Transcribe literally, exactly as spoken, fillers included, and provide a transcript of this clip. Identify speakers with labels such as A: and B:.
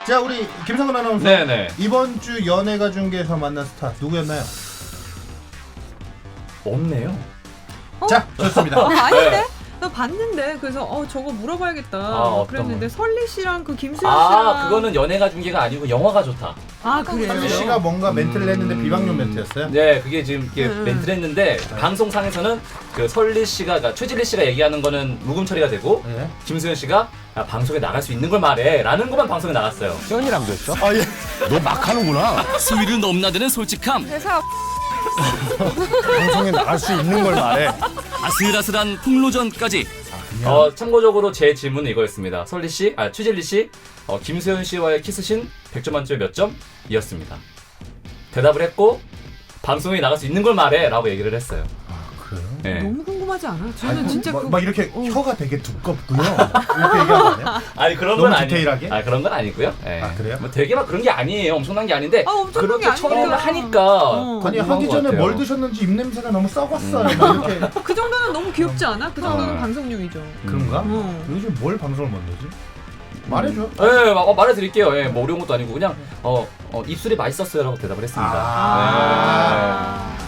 A: 자, 우리 김성근 아나운서.
B: 네네.
A: 이번 주 연예가 중계에서 만난 스타 누구였나요?
B: 없네요.
C: 어?
A: 자, 좋습니다.
C: 어, 아닌데?
B: 네.
C: 나 봤는데 그래서 어 저거 물어봐야겠다.
B: 아, 어떤
C: 그랬는데
B: 거요?
C: 설리 씨랑 그 김수현 씨랑
B: 아, 그거는 연예가 중계가 아니고 영화가 좋다.
C: 아 그래요?
A: 설리 씨가 뭔가 멘트를 했는데 비방용 멘트였어요?
B: 네, 그게 지금 이렇게
C: 음.
B: 멘트를 했는데 방송상에서는 그 설리 씨가, 그러니까 최진리 씨가 얘기하는 거는 묵음 처리가 되고
A: 네.
B: 김수현 씨가 아, 방송에 나갈 수 있는 걸 말해라는 것만 방송에 나갔어요.
D: 수현이랑도 했어?
A: 아, 예.
D: 너 막 하는구나.
E: 수위를 넘나드는 솔직함,
C: 회사
D: 방송에 나갈 수 있는 걸 말해.
E: 아슬아슬한 폭로전까지.
B: 어, 참고적으로 제 질문은 이거였습니다. 설리 씨, 아 최진리 씨, 어, 김수현 씨와의 키스신 백 점 만점에 몇 점이었습니다. 대답을 했고 방송에 나갈 수 있는 걸 말해라고 얘기를 했어요.
A: 그래요?
B: 네.
C: 너무 궁금하지 않아? 저는
A: 아니,
C: 진짜
A: 막,
C: 그
A: 막 이렇게
C: 어.
A: 혀가 되게 두껍고요. 이렇게 얘기하는 거 아니야?
B: 아니 그런
A: 너무
B: 건 아니.
A: 디테일하게?
B: 아 그런 건 아니고요. 예.
A: 아, 그래요?
B: 뭐 되게 막 그런 게 아니에요. 엄청난 게 아닌데
C: 아, 엄청난
B: 그렇게
C: 게 아니니까.
B: 처음에 하니까
C: 어.
A: 아니,
B: 궁금한
A: 하기
B: 것
A: 전에
B: 같아요.
A: 뭘 드셨는지 입냄새가 너무 썩었어요. 막 이렇게.
C: 그 정도는 너무 귀엽지 않아? 그 정도는
B: 어.
C: 방송용이죠.
A: 그런가?
C: 어.
A: 요즘 뭘 방송을 만들지? 말해줘.
B: 예, 마- 어, 말해드릴게요. 예, 뭐 어려운 것도 아니고 그냥 어, 어 입술이 맛있었어요라고 대답을 했습니다.
A: 아.
B: 네.